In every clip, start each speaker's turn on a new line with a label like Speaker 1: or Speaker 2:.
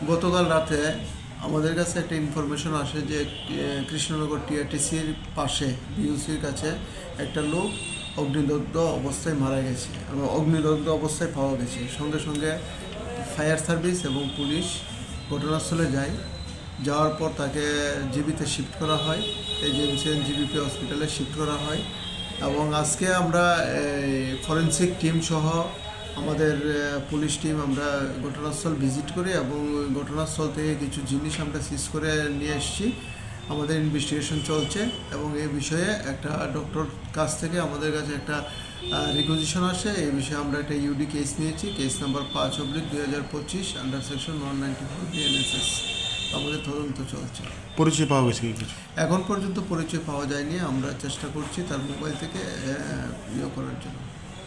Speaker 1: গতকাল রাতে আমাদের কাছে একটা ইনফরমেশন আসে যে কৃষ্ণনগর টিআরটিসির পাশে বিইউসির কাছে একটা লোক অগ্নিদগ্ধ অবস্থায় মারা গেছে এবং অগ্নিদগ্ধ অবস্থায় পাওয়া গেছে। সঙ্গে সঙ্গে ফায়ার সার্ভিস এবং পুলিশ ঘটনাস্থলে যায়। যাওয়ার পর তাকে জিবিতে শিফট করা হয়, এজেন্সিয়ান জিবিপি হসপিটালে শিফট করা হয়। এবং আজকে আমরা ফরেন্সিক টিম সহ আমাদের পুলিশ টিম আমরা ঘটনাস্থল ভিজিট করি এবং ঘটনাস্থল থেকে কিছু জিনিস আমরা সিজ করে নিয়ে এসেছি। আমাদের ইনভেস্টিগেশন চলছে এবং এই বিষয়ে একটা ডক্টর কাছ থেকে আমাদের কাছে একটা রিকুইজিশন আসে। এই বিষয়ে আমরা একটা ইউডি কেস নিয়েছি, case number 5/2025 under section 194 BNSS. আমাদের তদন্ত চলছে।
Speaker 2: পরিচয় পাওয়া গেছে কি কিছু?
Speaker 1: এখন পর্যন্ত পরিচয় পাওয়া যায়নি, আমরা চেষ্টা করছি তার মোবাইল থেকে ইয়ে করার জন্য।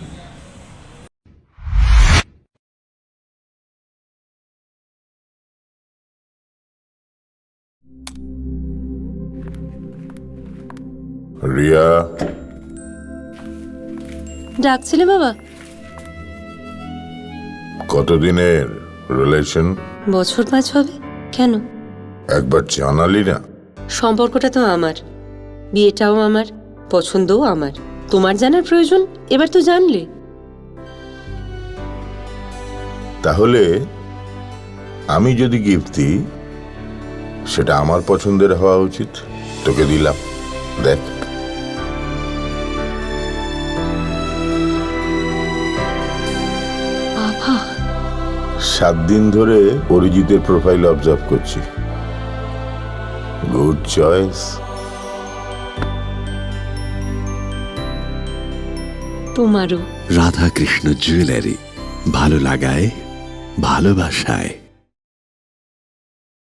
Speaker 3: রিয়া,
Speaker 4: ডাকছিলে বাবা?
Speaker 3: কতদিনের রিলেশন?
Speaker 4: বছর 5 হবে। কেন?
Speaker 3: একবার জানালি না?
Speaker 4: সম্পর্কটা তো আমার, বিয়েটাও আমার, পছন্দও আমার। তোমার জানার প্রয়োজন এবার তো জানলে।
Speaker 3: তাহলে আমি যদি গিফট দিই সেটা আমার পছন্দের হওয়া উচিত। তোকে দিলাম, দেখ।
Speaker 4: বাবা,
Speaker 3: 7 দিন ধরে অরিজিতের প্রোফাইল অবজার্ভ করছি। Good choice.
Speaker 4: তোমারও।
Speaker 5: রাধাকৃষ্ণ জুয়েলারি, ভালো লাগায় ভালোবাসায়।